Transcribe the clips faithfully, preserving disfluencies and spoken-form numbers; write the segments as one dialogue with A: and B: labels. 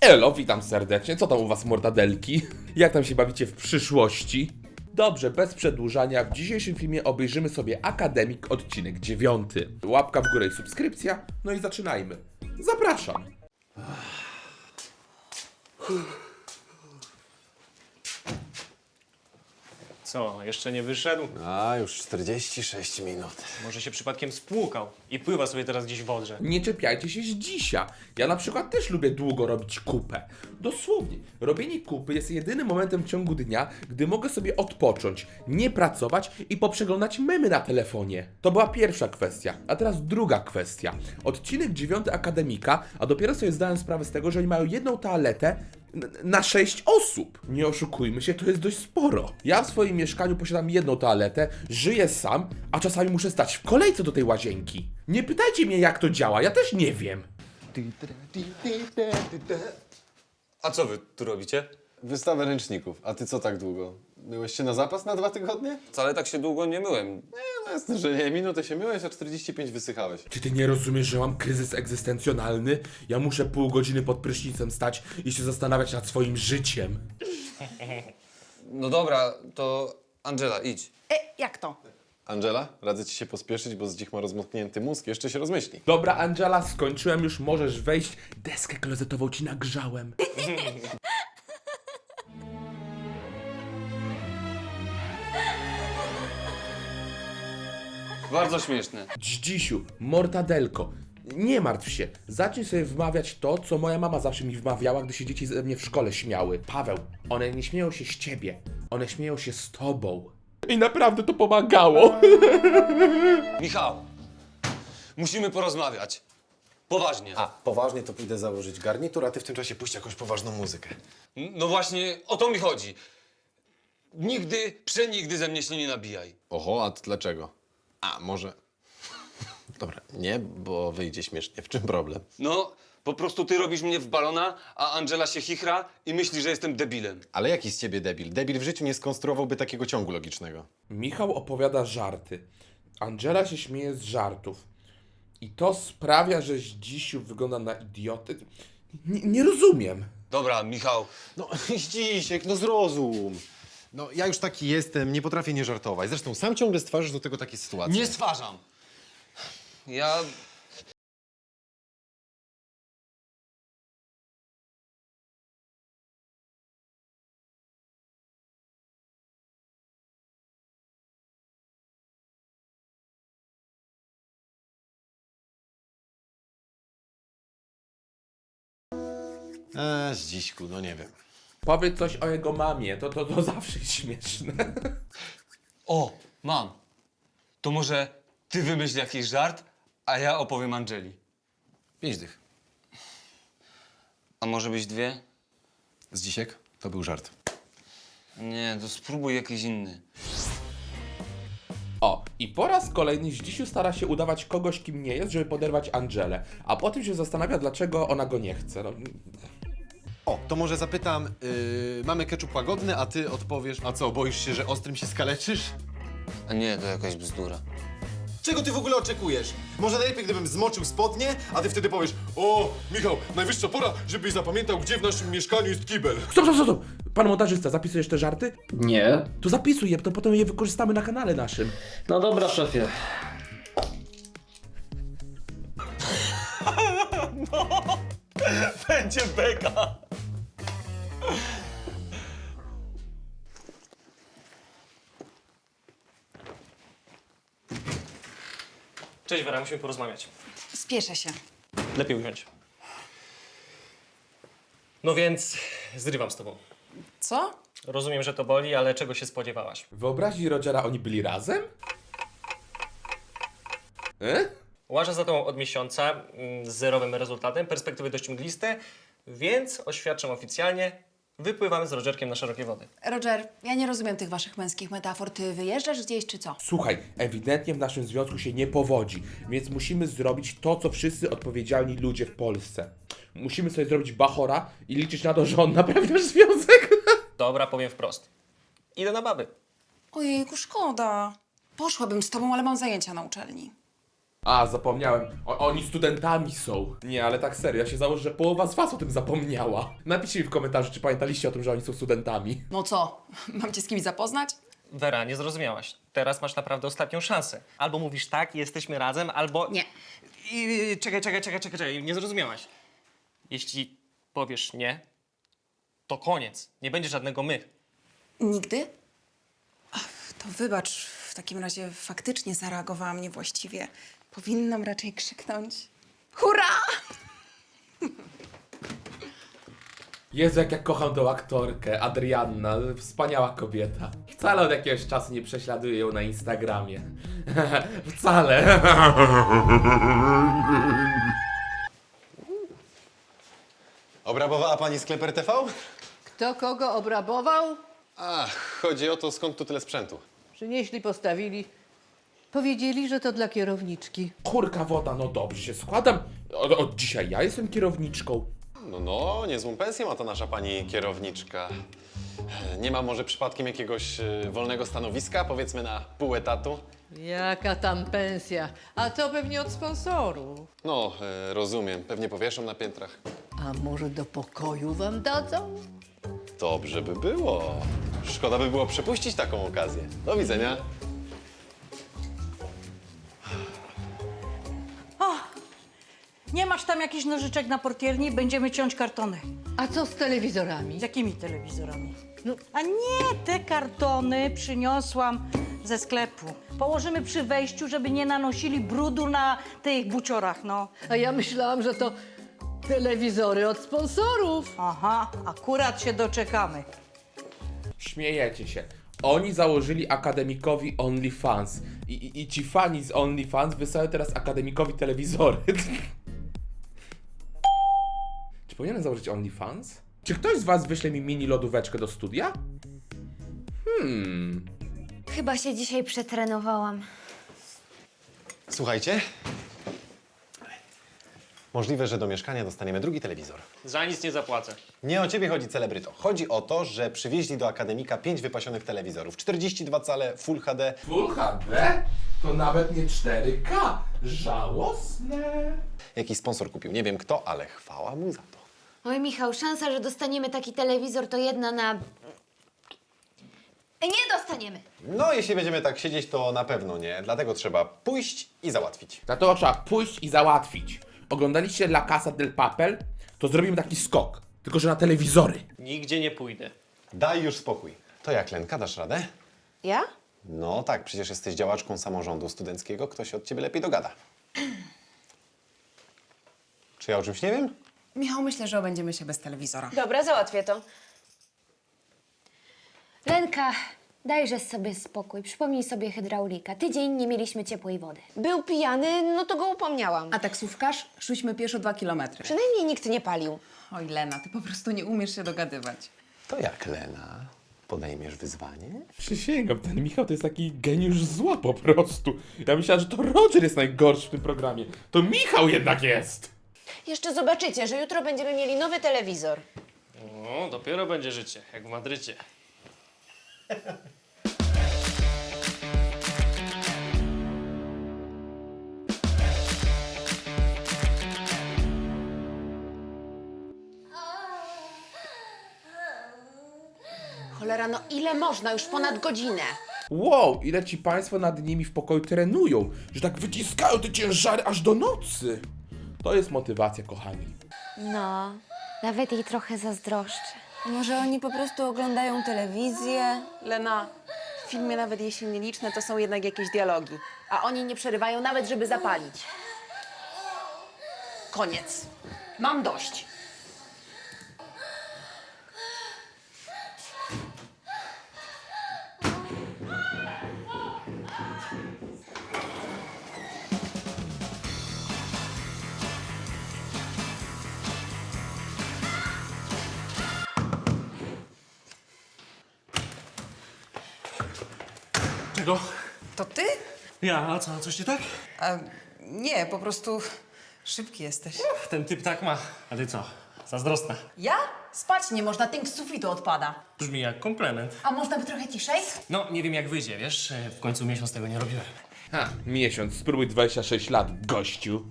A: Elo, witam serdecznie, co tam u was mortadelki? Jak tam się bawicie w przyszłości? Dobrze, bez przedłużania, w dzisiejszym filmie obejrzymy sobie Akademik odcinek dziewiąty. Łapka w górę i subskrypcja, no i zaczynajmy. Zapraszam!
B: Co, jeszcze nie wyszedł?
C: A, już czterdzieści sześć minut.
B: Może się przypadkiem spłukał i pływa sobie teraz gdzieś w Odrze.
A: Nie czepiajcie się z dzisia. Ja na przykład też lubię długo robić kupę. Dosłownie, robienie kupy jest jedynym momentem w ciągu dnia, gdy mogę sobie odpocząć, nie pracować i poprzeglądać memy na telefonie. To była pierwsza kwestia, a teraz druga kwestia. Odcinek dziewiąty Akademika, a dopiero sobie zdałem sprawę z tego, że oni mają jedną toaletę na sześć osób. Nie oszukujmy się, to jest dość sporo. Ja w swoim mieszkaniu posiadam jedną toaletę, żyję sam, a czasami muszę stać w kolejce do tej łazienki. Nie pytajcie mnie, jak to działa, ja też nie wiem.
D: A co wy tu robicie?
C: Wystawę ręczników. A ty co tak długo? Myłeś się na zapas na dwa tygodnie?
D: Wcale tak się długo nie myłem.
C: Nie, no jasne, że nie. Minutę się myłeś, a czterdzieści pięć wysychałeś.
A: Czy ty nie rozumiesz, że mam kryzys egzystencjonalny? Ja muszę pół godziny pod prysznicem stać i się zastanawiać nad swoim życiem.
D: No dobra, to Angela, idź.
E: E, jak to?
C: Angela, radzę ci się pospieszyć, bo z dzik ma rozmoknięty mózg. Jeszcze się rozmyśli.
A: Dobra, Angela, skończyłem już, możesz wejść. Deskę klozetową ci nagrzałem.
D: Bardzo śmieszne.
A: Dzdzisiu, mortadelko, nie martw się. Zacznij sobie wmawiać to, co moja mama zawsze mi wmawiała, gdy się dzieci ze mnie w szkole śmiały. Paweł, one nie śmieją się z ciebie, one śmieją się z tobą. I naprawdę to pomagało.
D: Michał, musimy porozmawiać. Poważnie.
C: A, poważnie to pójdę założyć garnitur, a ty w tym czasie puść jakąś poważną muzykę.
D: No właśnie, o to mi chodzi. Nigdy, przenigdy ze mnie się nie nabijaj.
C: Oho, a t- dlaczego? A, może... Dobra, nie, bo wyjdzie śmiesznie. W czym problem?
D: No, po prostu ty robisz mnie w balona, a Angela się chichra i myśli, że jestem debilem.
C: Ale jaki z ciebie debil? Debil w życiu nie skonstruowałby takiego ciągu logicznego.
A: Michał opowiada żarty. Angela się śmieje z żartów. I to sprawia, że Zdzisiu wygląda na idioty. Nie, nie rozumiem.
D: Dobra, Michał,
C: No, Zdzisiek, no zrozum. No, ja już taki jestem, nie potrafię nie żartować. Zresztą sam ciągle stwarzasz do tego takie sytuacje.
D: nie stwarzam. Ja...
C: Eee, Zdziśku, no nie wiem.
A: Powiedz coś o jego mamie, to, to, to zawsze jest śmieszne.
D: O, mam. To może ty wymyśl jakiś żart, a ja opowiem Angeli.
C: Pięć dych.
D: A może być dwie?
C: Zdzisiek, to był żart.
D: Nie, to spróbuj jakiś inny.
A: O, i po raz kolejny Zdzisiu stara się udawać kogoś, kim nie jest, żeby poderwać Angelę, a potem się zastanawia, dlaczego ona go nie chce. No,
C: O, to może zapytam, yy, mamy ketchup łagodny, a ty odpowiesz, a co, boisz się, że ostrym się skaleczysz?
D: A nie, to jakaś bzdura.
C: Czego ty w ogóle oczekujesz? Może najlepiej, gdybym zmoczył spodnie, a ty wtedy powiesz, o, Michał, najwyższa pora, żebyś zapamiętał, gdzie w naszym mieszkaniu jest kibel.
A: Stop, stop, stop, stop! Pan montażysta, zapisujesz te żarty?
F: Nie.
A: To zapisuj je, to potem je wykorzystamy na kanale naszym.
F: No dobra, szefie.
D: Będzie beka!
B: Cześć Wera, musimy porozmawiać.
E: Spieszę się.
B: Lepiej usiądź. No więc zrywam z tobą.
E: Co?
B: Rozumiem, że to boli, ale czego się spodziewałaś?
A: W wyobraźni Rogera oni byli razem? E?
B: Łażę za tobą od miesiąca mm, z zerowym rezultatem, perspektywy dość mgliste, więc oświadczam oficjalnie, wypływamy z Rogerkiem na szerokie wody.
E: Roger, ja nie rozumiem tych waszych męskich metafor. Ty wyjeżdżasz gdzieś czy co?
A: Słuchaj, ewidentnie w naszym związku się nie powodzi, więc musimy zrobić to, co wszyscy odpowiedzialni ludzie w Polsce. Musimy sobie zrobić bachora i liczyć na to, że on naprawi nasz związek.
B: Dobra, powiem wprost. Idę na baby.
E: Ojejku, szkoda. Poszłabym z tobą, ale mam zajęcia na uczelni.
A: A, zapomniałem. O, oni studentami są. Nie, ale tak serio, ja się założę, że połowa z was o tym zapomniała. Napiszcie mi w komentarzu, czy pamiętaliście o tym, że oni są studentami.
E: No co, mam cię z kimś zapoznać?
B: Wera, nie zrozumiałaś. Teraz masz naprawdę ostatnią szansę. Albo mówisz tak, jesteśmy razem, albo...
E: Nie.
B: I, czekaj, czekaj, czekaj, czekaj, czekaj, nie zrozumiałaś. Jeśli powiesz nie, to koniec. Nie będzie żadnego my.
E: Nigdy? Ach, to wybacz, w takim razie faktycznie zareagowałam niewłaściwie. Powinnam raczej krzyknąć. Hurra!
A: Jezu, jak ja kocham tą aktorkę, Adrianna, wspaniała kobieta. Wcale od jakiegoś czasu nie prześladuję ją na Instagramie. Wcale.
C: Obrabowała pani sklep R T V?
F: Kto kogo obrabował?
C: Ach, chodzi o to, skąd tu tyle sprzętu.
F: Przynieśli, postawili. Powiedzieli, że to dla kierowniczki.
A: Kurka woda, no dobrze się składam. Od, od dzisiaj ja jestem kierowniczką.
C: No, no, niezłą pensję ma ta nasza pani kierowniczka. Nie ma może przypadkiem jakiegoś y, wolnego stanowiska, powiedzmy na pół etatu?
F: Jaka tam pensja? A to pewnie od sponsorów.
C: No, y, rozumiem, pewnie powieszą na piętrach.
F: A może do pokoju wam dadzą?
C: Dobrze by było. Szkoda by było przepuścić taką okazję. Do widzenia.
G: Nie masz tam jakichś nożyczek na portierni? Będziemy ciąć kartony.
F: A co z telewizorami?
G: Z jakimi telewizorami? No, a nie, te kartony przyniosłam ze sklepu. Położymy przy wejściu, żeby nie nanosili brudu na tych buciorach, no.
F: A ja myślałam, że to telewizory od sponsorów.
G: Aha, akurat się doczekamy.
A: Śmiejecie się. Oni założyli akademikowi OnlyFans. I, i, i ci fani z OnlyFans wysyłają teraz akademikowi telewizory. Czy powinienem założyć OnlyFans? Czy ktoś z was wyśle mi mini lodóweczkę do studia? Hmm.
H: Chyba się dzisiaj przetrenowałam.
C: Słuchajcie. Możliwe, że do mieszkania dostaniemy drugi telewizor.
B: Za nic nie zapłacę.
C: Nie o ciebie chodzi, celebryto. Chodzi o to, że przywieźli do akademika pięć wypasionych telewizorów. czterdzieści dwa cale Full H D.
A: Full H D? To nawet nie cztery K. Żałosne.
C: Jakiś sponsor kupił. Nie wiem kto, ale chwała mu za to.
H: Oj, Michał, szansa, że dostaniemy taki telewizor to jedna na... Nie dostaniemy.
C: No, jeśli będziemy tak siedzieć, to na pewno nie. Dlatego trzeba pójść i załatwić.
A: Dlatego trzeba pójść i załatwić. Oglądaliście La Casa del Papel? To zrobimy taki skok. Tylko, że na telewizory.
B: Nigdzie nie pójdę.
C: Daj już spokój. To jak, Lenka, dasz radę?
E: Ja?
C: No tak, przecież jesteś działaczką samorządu studenckiego. Kto się od ciebie lepiej dogada? Czy ja o czymś nie wiem?
E: Michał, myślę, że obędziemy się bez telewizora.
H: Dobra, załatwię to. Lenka, dajże sobie spokój. Przypomnij sobie hydraulika. Tydzień nie mieliśmy ciepłej wody.
I: Był pijany, no to go upomniałam.
E: A taksówkarz? Szliśmy pieszo dwa kilometry.
I: Przynajmniej nikt nie palił.
E: Oj, Lena, ty po prostu nie umiesz się dogadywać.
C: To jak, Lena? Podejmiesz wyzwanie?
A: Przysięgam, ten Michał to jest taki geniusz zła po prostu. Ja myślałem, że to Roger jest najgorszy w tym programie. To Michał jednak jest!
I: Jeszcze zobaczycie, że jutro będziemy mieli nowy telewizor.
B: No, dopiero będzie życie, jak w Madrycie.
I: Cholera, no ile można? Już ponad godzinę.
A: Wow, ile ci państwo nad nimi w pokoju trenują, że tak wyciskają te ciężary aż do nocy. To jest motywacja, kochani.
H: No, nawet jej trochę zazdroszczę.
I: Może oni po prostu oglądają telewizję?
E: Lena, w filmie nawet jeśli nieliczne, to są jednak jakieś dialogi. A oni nie przerywają nawet, żeby zapalić. Koniec. Mam dość.
B: Czego?
E: To ty?
B: Ja, a co, coś nie tak?
E: A, nie, po prostu szybki jesteś.
B: Ten typ tak ma. A ty co? Zazdrosna.
E: Ja? Spać nie można, tynk z sufitu odpada.
B: Brzmi jak komplement.
E: A można by trochę ciszej?
B: No, nie wiem jak wyjdzie, wiesz? W końcu miesiąc tego nie robiłem.
A: Ha, miesiąc, spróbuj dwadzieścia sześć lat, gościu.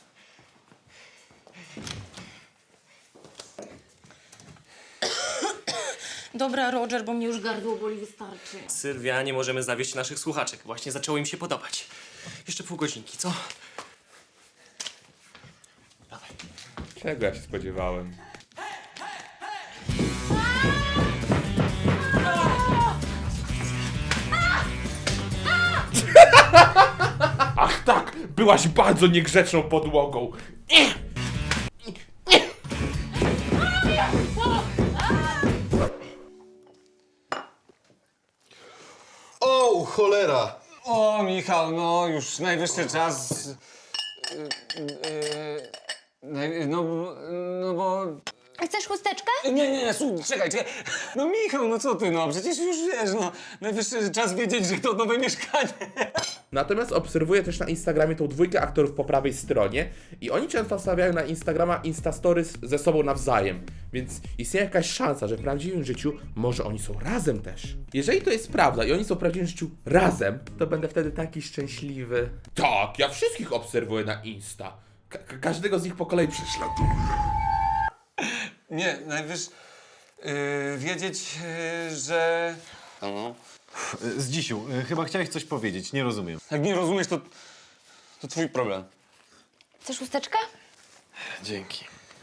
G: Dobra, Roger, bo mnie już gardło boli, wystarczy.
B: Sylwia, nie możemy zawieść naszych słuchaczek. Właśnie zaczęło im się podobać. Jeszcze pół godzinki, co?
A: Czego ja się spodziewałem? Ach tak, byłaś bardzo niegrzeczną podłogą.
C: O, cholera!
D: O, Michał, no już najwyższy czas... Yy, yy, naj- no, no bo...
H: Chcesz chusteczkę?
D: Nie, nie, nie, słuchaj, czekaj, czekaj. No Michał, no co ty, no przecież już wiesz, no. Najwyższy czas wiedzieć, że to nowe mieszkanie.
A: Natomiast obserwuję też na Instagramie tą dwójkę aktorów po prawej stronie i oni często wstawiają na Instagrama Instastories ze sobą nawzajem, więc istnieje jakaś szansa, że w prawdziwym życiu może oni są razem też. Jeżeli to jest prawda i oni są w prawdziwym życiu razem, to będę wtedy taki szczęśliwy. Tak, ja wszystkich obserwuję na Insta. Ka- ka- każdego z nich po kolei prześladuję.
D: Nie, najwyższy... Yy, wiedzieć, yy, że... No.
C: Zdzisiu, y, chyba chciałeś coś powiedzieć, nie rozumiem.
D: Jak nie rozumiesz, to... to twój problem.
H: Chcesz chusteczkę?
C: Dzięki.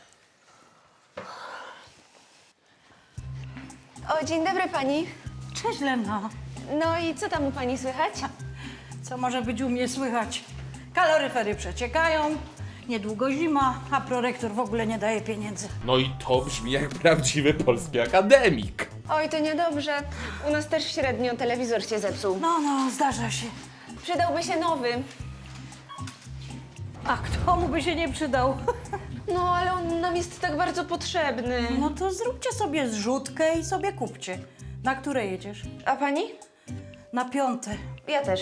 H: O, dzień dobry pani.
G: Cześć, Lena.
H: No i co tam u pani słychać?
G: Co może być u mnie słychać? Kaloryfery przeciekają, niedługo zima, a prorektor w ogóle nie daje pieniędzy.
A: No i to brzmi jak prawdziwy polski akademik.
H: Oj, to niedobrze. U nas też średnio telewizor się zepsuł.
G: No, no, zdarza się.
H: Przydałby się nowy.
G: A kto mu by się nie przydał?
H: No, ale on nam jest tak bardzo potrzebny.
G: No to zróbcie sobie zrzutkę i sobie kupcie. Na które jedziesz?
H: A pani?
G: Na piąte.
H: Ja też.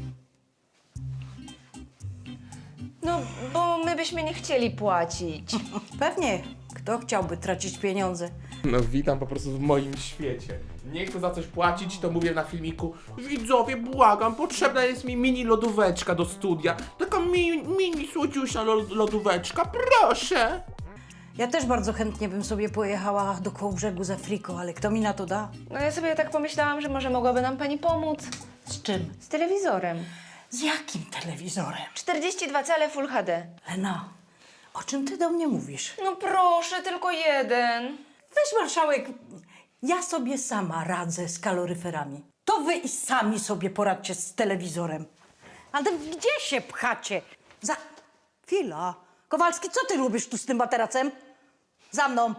H: No, bo my byśmy nie chcieli płacić.
G: Pewnie. Kto chciałby tracić pieniądze?
A: No witam po prostu w moim świecie. Nie chcę za coś płacić, to mówię na filmiku. Widzowie, błagam, potrzebna jest mi mini lodóweczka do studia. Taka mini, mini słodziusia lo- lodóweczka, proszę.
G: Ja też bardzo chętnie bym sobie pojechała do Kołbrzegu z Afriką, ale kto mi na to da?
H: No ja sobie tak pomyślałam, że może mogłaby nam pani pomóc.
G: Z czym?
H: Z telewizorem.
G: Z jakim telewizorem?
H: czterdzieści dwa cale Full H D.
G: Lena, o czym ty do mnie mówisz?
H: No proszę, tylko jeden.
G: Weź, marszałek, ja sobie sama radzę z kaloryferami. To wy i sami sobie poradźcie z telewizorem. Ale gdzie się pchacie? Za... Chwila. Kowalski, co ty robisz tu z tym materacem? Za mną.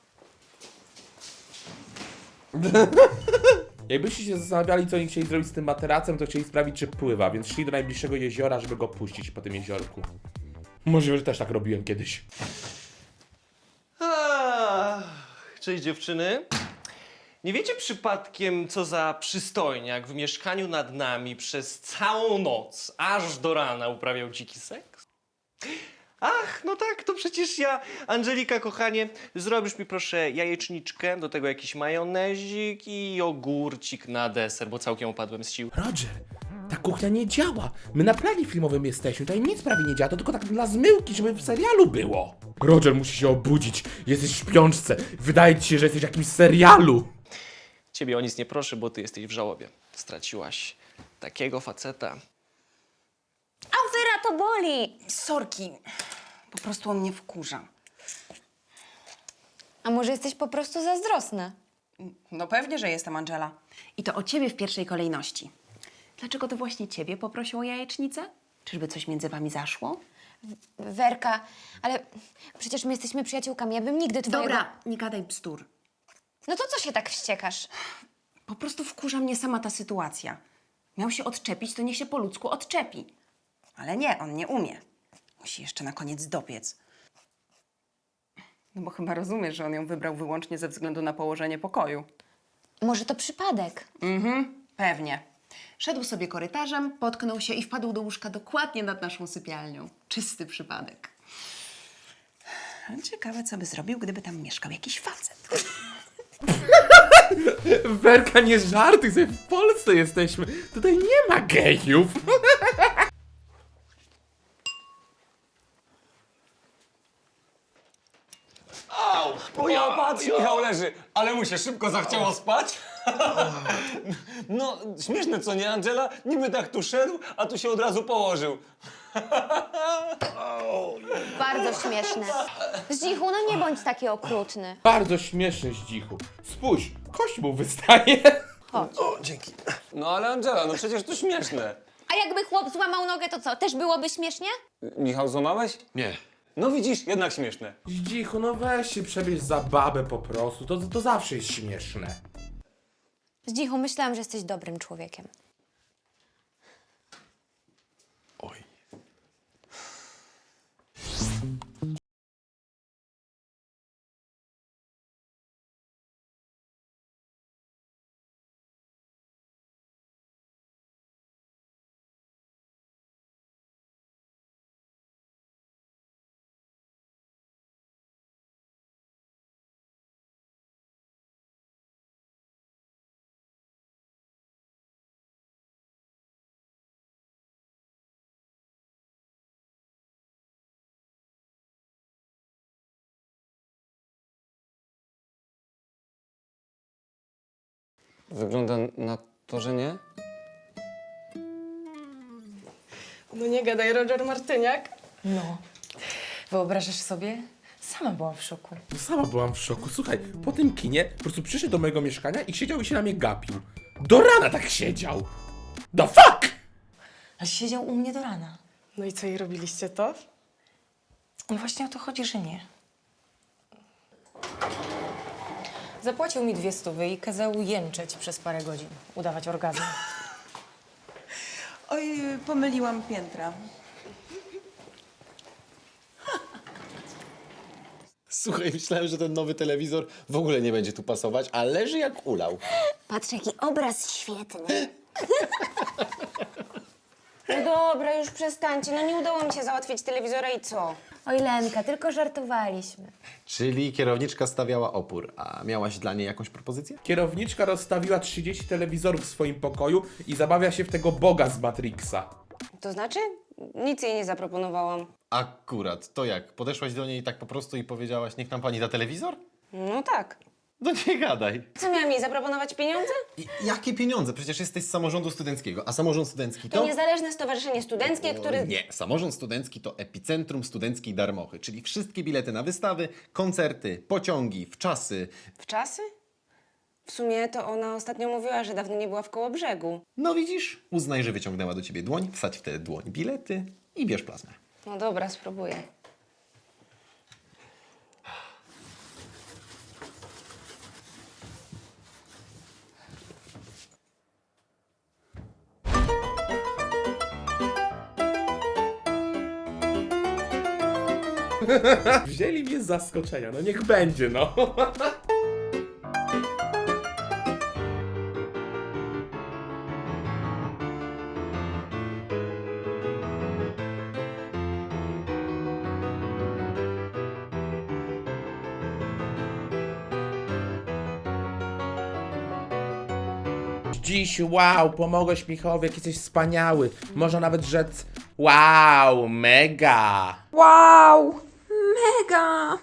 A: Jakbyście się zastanawiali, co oni chcieli zrobić z tym materacem, to chcieli sprawdzić, czy pływa, więc szli do najbliższego jeziora, żeby go puścić po tym jeziorku. Możliwe, że też tak robiłem kiedyś.
B: Ach, cześć dziewczyny. Nie wiecie przypadkiem, co za przystojniak w mieszkaniu nad nami przez całą noc, aż do rana uprawiał dziki seks? Ach, no tak, to przecież ja. Angelika, kochanie, zrobisz mi proszę jajeczniczkę, do tego jakiś majonezik i ogórcik na deser, bo całkiem opadłem z sił.
A: Roger, ta kuchnia nie działa. My na planie filmowym jesteśmy, tutaj nic prawie nie działa, to tylko tak dla zmyłki, żeby w serialu było. Roger musi się obudzić, jesteś w śpiączce, wydaje ci się, że jesteś w jakimś serialu.
B: Ciebie o nic nie proszę, bo ty jesteś w żałobie. Straciłaś takiego faceta.
H: Autyra, to boli.
E: Sorki, po prostu on mnie wkurza.
H: A może jesteś po prostu zazdrosna?
E: No pewnie, że jestem, Angela. I to o ciebie w pierwszej kolejności. Dlaczego to właśnie ciebie poprosił o jajecznicę? Czyżby coś między wami zaszło?
H: Werka, ale przecież my jesteśmy przyjaciółkami, ja bym nigdy twojego...
E: Dobra, nie gadaj bzdur.
H: No to co się tak wściekasz?
E: Po prostu wkurza mnie sama ta sytuacja. Miał się odczepić, to niech się po ludzku odczepi. Ale nie, on nie umie. Musi jeszcze na koniec dopiec. No bo chyba rozumiesz, że on ją wybrał wyłącznie ze względu na położenie pokoju.
H: Może to przypadek?
E: Mhm, pewnie. Szedł sobie korytarzem, potknął się i wpadł do łóżka dokładnie nad naszą sypialnią. Czysty przypadek. Ciekawe, co by zrobił, gdyby tam mieszkał jakiś facet.
A: Werka, nie żartuj sobie, w Polsce jesteśmy. Tutaj nie ma gejów.
D: Michał leży, ale mu się szybko zachciało spać. No, śmieszne co nie, Angela? Niby tak tu szedł, a tu się od razu położył.
H: Bardzo śmieszne. Zdzichu, no nie bądź taki okrutny.
A: Bardzo śmieszny Zdzichu. Spójrz, kość mu wystaje.
D: No ale Angela, no przecież to śmieszne.
H: A jakby chłop złamał nogę, to co? Też byłoby śmiesznie?
D: Michał, złamałeś?
C: Nie.
D: No widzisz, jednak śmieszne.
A: Zdzichu, no weź się przebierz za babę po prostu, to, to zawsze jest śmieszne.
H: Zdzichu, myślałam, że jesteś dobrym człowiekiem.
C: Oj.
D: Wygląda na to, że nie?
J: No nie gadaj, Roger Martyniak.
K: No, wyobrażasz sobie? Sama byłam w szoku.
A: No sama byłam w szoku. Słuchaj, po tym kinie po prostu przyszedł do mojego mieszkania i siedział i się na mnie gapił. Do rana tak siedział. The fuck!
K: Ale siedział u mnie do rana.
J: No i co, i robiliście to?
K: No właśnie o to chodzi, że nie. Zapłacił mi dwie stówy i kazał jęczeć przez parę godzin, udawać orgazm.
E: Oj, pomyliłam piętra.
C: Słuchaj, myślałem, że ten nowy telewizor w ogóle nie będzie tu pasować, a leży jak ulał.
H: Patrz, jaki obraz świetny. No dobra, już przestańcie. No nie udało mi się załatwić telewizora i co? Oj, Lenka, tylko żartowaliśmy.
C: Czyli kierowniczka stawiała opór, a miałaś dla niej jakąś propozycję?
A: Kierowniczka rozstawiła trzydzieści telewizorów w swoim pokoju i zabawia się w tego Boga z Matrixa.
E: To znaczy? Nic jej nie zaproponowałam.
C: Akurat, to jak? Podeszłaś do niej tak po prostu i powiedziałaś, niech nam pani da telewizor?
E: No tak.
C: No nie gadaj.
E: Co, miałam jej zaproponować pieniądze?
C: I jakie pieniądze? Przecież jesteś z samorządu studenckiego, a samorząd studencki to...
E: To niezależne stowarzyszenie studenckie, które...
C: Nie, samorząd studencki to epicentrum studenckiej darmochy, czyli wszystkie bilety na wystawy, koncerty, pociągi, wczasy.
E: W czasy? W sumie to ona ostatnio mówiła, że dawno nie była w Kołobrzegu.
C: No widzisz, uznaj, że wyciągnęła do ciebie dłoń, wsadź w tę dłoń bilety i bierz plazmę.
E: No dobra, spróbuję.
A: Wzięli mnie z zaskoczenia, no niech będzie, no. Dziś, wow, pomogłeś Michałowi, jaki jesteś wspaniały. Można nawet rzec, wow, mega.
E: Wow! Mega!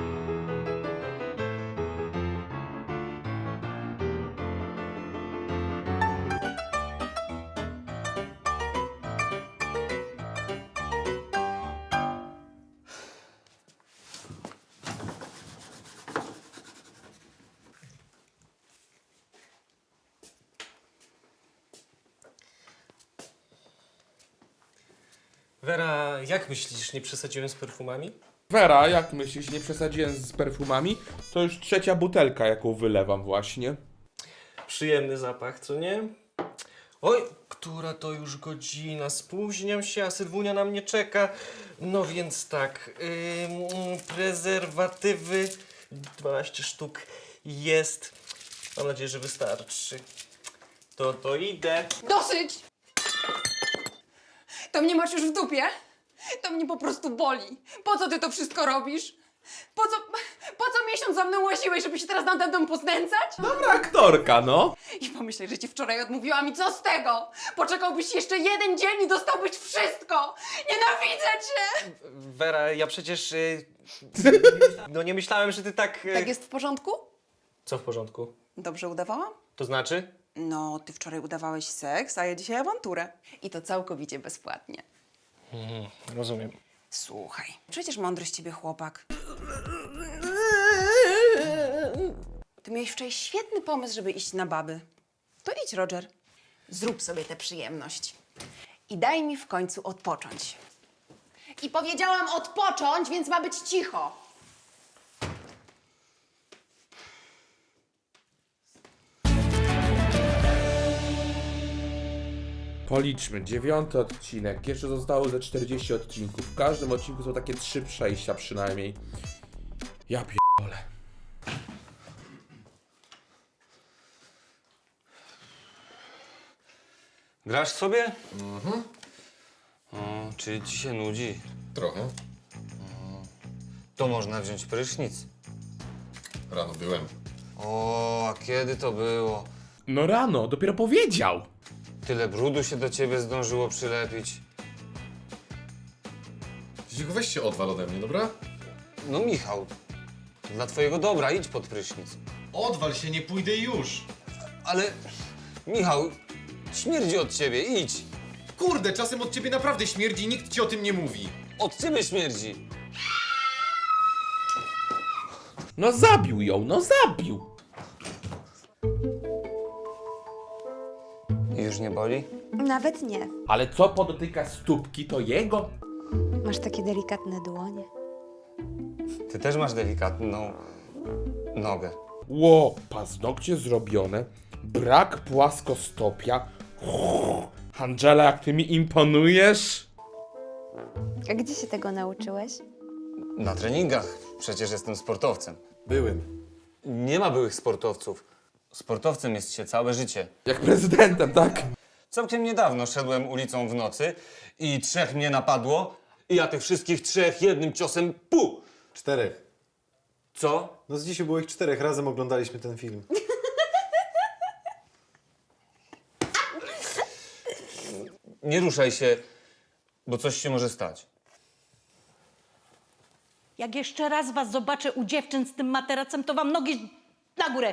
B: Wera, jak myślisz, nie przesadziłem z perfumami?
A: Wera, jak myślisz, nie przesadziłem z perfumami? To już trzecia butelka, jaką wylewam właśnie.
B: Przyjemny zapach, co nie? Oj, która to już godzina, spóźniam się, a Sylwunia na mnie czeka. No więc tak, ym, prezerwatywy, dwanaście sztuk jest. Mam nadzieję, że wystarczy. To to idę.
E: Dosyć! To mnie masz już w dupie? To mnie po prostu boli. Po co ty to wszystko robisz? Po co, po co miesiąc za mną łaziłeś, żeby się teraz nade mną poznęcać?
A: Dobra aktorka, no.
E: I pomyślę, że ci wczoraj odmówiłam i co z tego? Poczekałbyś jeszcze jeden dzień i dostałbyś wszystko! Nienawidzę cię!
B: Wera, ja przecież... Y, no nie myślałem, że ty tak... y,
E: Tak jest w porządku?
B: Co w porządku?
E: Dobrze udawałam?
B: To znaczy?
E: No, ty wczoraj udawałeś seks, a ja dzisiaj awanturę. I to całkowicie bezpłatnie.
B: Mhm, rozumiem.
E: Słuchaj, przecież mądry z ciebie chłopak. Ty miałeś wczoraj świetny pomysł, żeby iść na baby. To idź, Roger. Zrób sobie tę przyjemność. I daj mi w końcu odpocząć.
I: I powiedziałam odpocząć, więc ma być cicho.
A: Policzmy, dziewiąty odcinek, jeszcze zostało ze czterdzieści odcinków. W każdym odcinku są takie trzy przejścia przynajmniej. Ja pierdolę.
D: Grasz sobie? Mhm. O, czy ci się nudzi?
C: Trochę.
D: To można wziąć prysznic.
C: Rano byłem.
D: O, a kiedy to było?
A: No rano, dopiero powiedział.
D: Tyle brudu się do ciebie zdążyło przylepić.
C: Dziku, weź się odwal ode mnie, dobra?
D: No Michał, dla twojego dobra idź pod prysznic.
C: Odwal się, nie pójdę już.
D: Ale, Michał, śmierdzi od ciebie, idź.
C: Kurde, czasem od ciebie naprawdę śmierdzi, nikt ci o tym nie mówi.
D: Od ciebie śmierdzi.
A: No zabił ją, no zabił.
D: Już nie boli?
H: Nawet nie.
A: Ale co podotyka stópki, to jego?
H: Masz takie delikatne dłonie.
D: Ty też masz delikatną nogę.
A: Ło, paznokcie zrobione, brak płaskostopia. Uff, Angela, jak ty mi imponujesz?
H: A gdzie się tego nauczyłeś?
D: Na treningach. Przecież jestem sportowcem.
C: Byłem.
D: Nie ma byłych sportowców. Sportowcem jest się całe życie.
A: Jak prezydentem, tak?
D: Całkiem niedawno szedłem ulicą w nocy i trzech mnie napadło i ja tych wszystkich trzech jednym ciosem pu!
C: Czterech.
D: Co?
C: No z dzisiaj było ich czterech, razem oglądaliśmy ten film.
D: Nie ruszaj się, bo coś się może stać.
G: Jak jeszcze raz was zobaczę u dziewczyn z tym materacem, to wam nogi na górę.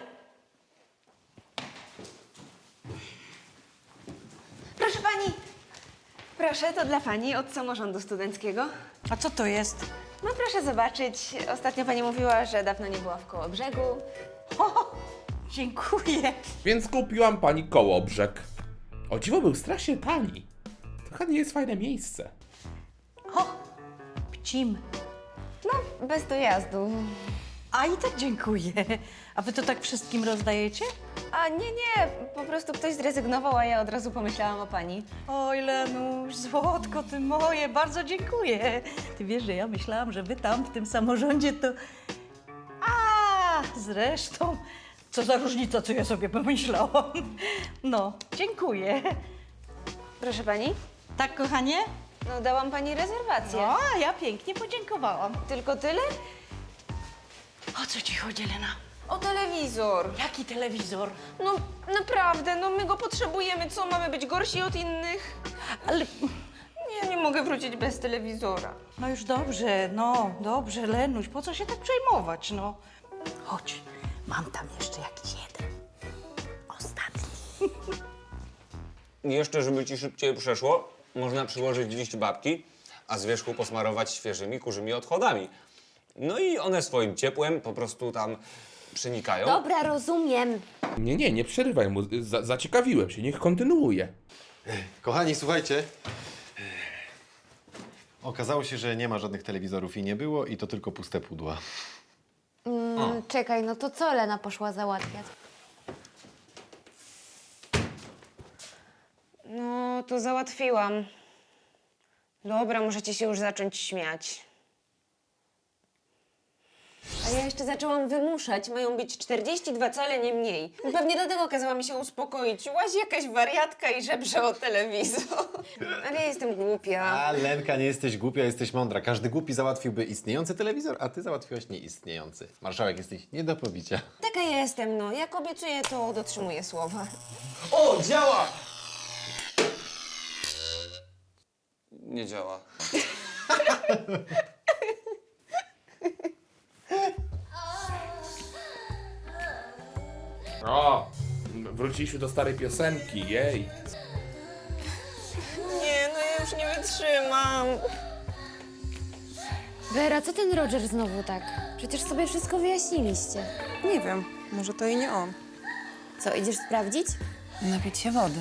H: Proszę pani. Proszę, to dla pani od samorządu studenckiego.
G: A co to jest?
H: No proszę zobaczyć. Ostatnio pani mówiła, że dawno nie była w Kołobrzegu.
G: O, dziękuję.
A: Więc kupiłam pani Kołobrzeg. O dziwo, był strasznie tani. To chyba nie jest fajne miejsce.
G: O, pcim.
H: No, bez dojazdu.
G: A i tak dziękuję. A wy to tak wszystkim rozdajecie?
H: A nie, nie, po prostu ktoś zrezygnował, a ja od razu pomyślałam o pani.
G: Oj, Lenuś, złotko ty moje, bardzo dziękuję. Ty wiesz, że ja myślałam, że wy tam w tym samorządzie to... A, zresztą, co za różnica, co ja sobie pomyślałam. No, dziękuję.
H: Proszę pani,
G: Tak, kochanie?
H: no dałam pani rezerwację.
G: No, a ja pięknie podziękowałam.
H: Tylko tyle?
G: O co ci chodzi, Lena?
H: O telewizor.
G: Jaki telewizor?
H: No naprawdę, no my go potrzebujemy. Co, mamy być gorsi od innych?
G: Ale...
H: Nie, nie mogę wrócić bez telewizora.
G: No już dobrze, no, dobrze, Lenuś, po co się tak przejmować, no? Chodź, mam tam jeszcze jakiś jeden. Ostatni.
D: I jeszcze, żeby ci szybciej przeszło, można przyłożyć liść babki, a z wierzchu posmarować świeżymi kurzymi odchodami. No i one swoim ciepłem po prostu tam przenikają.
H: Dobra, rozumiem.
A: Nie, nie, nie przerywaj mu. Za zaciekawiłem się, niech kontynuuje.
C: Kochani, słuchajcie. Okazało się, że nie ma żadnych telewizorów i nie było i to tylko puste pudła.
H: Mm, czekaj, no to co Lena poszła załatwiać? No, to załatwiłam. Dobra, możecie się już zacząć śmiać. A ja jeszcze zaczęłam wymuszać. Mają być czterdzieści dwa cale, nie mniej. Pewnie dlatego kazała mi się uspokoić. Łazi jakaś wariatka i żebrze o telewizor. Ale ja jestem głupia.
C: A Lenka, nie jesteś głupia, jesteś mądra. Każdy głupi załatwiłby istniejący telewizor, a ty załatwiłaś nieistniejący. Marszałek, jesteś nie do pobicia.
H: Taka jestem, no. Jak obiecuję, to dotrzymuję słowa.
D: O, działa! Nie działa.
A: O, wróciliśmy do starej piosenki, jej.
H: Nie, no ja już nie wytrzymam.
I: Wera, co ten Roger znowu tak? Przecież sobie wszystko wyjaśniliście.
E: Nie wiem, może to i nie on.
I: Co, idziesz sprawdzić?
E: Napić się wody.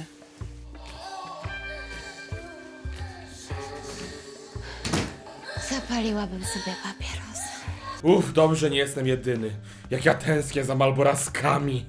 I: Zapaliłabym sobie papieros.
A: Uff, dobrze, nie jestem jedyny. Jak ja tęsknię za malboraskami.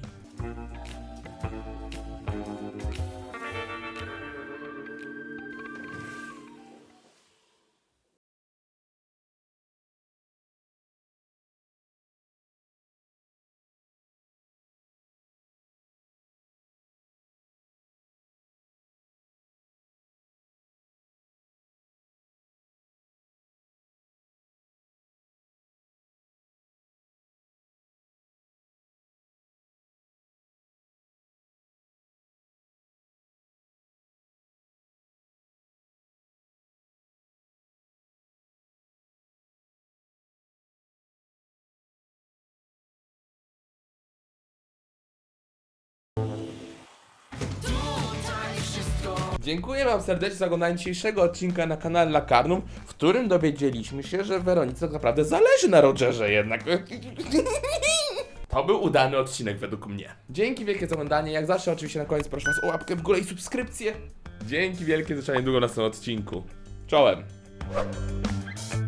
A: Dziękuję wam serdecznie za oglądanie dzisiejszego odcinka na kanale Lakarnum, w którym dowiedzieliśmy się, że Weronice tak naprawdę zależy na Rogerze jednak. To był udany odcinek według mnie. Dzięki wielkie za oglądanie. Jak zawsze oczywiście na koniec proszę was o łapkę w górę i subskrypcję. Dzięki wielkie, zobaczenia niedługo na następnym odcinku. Czołem!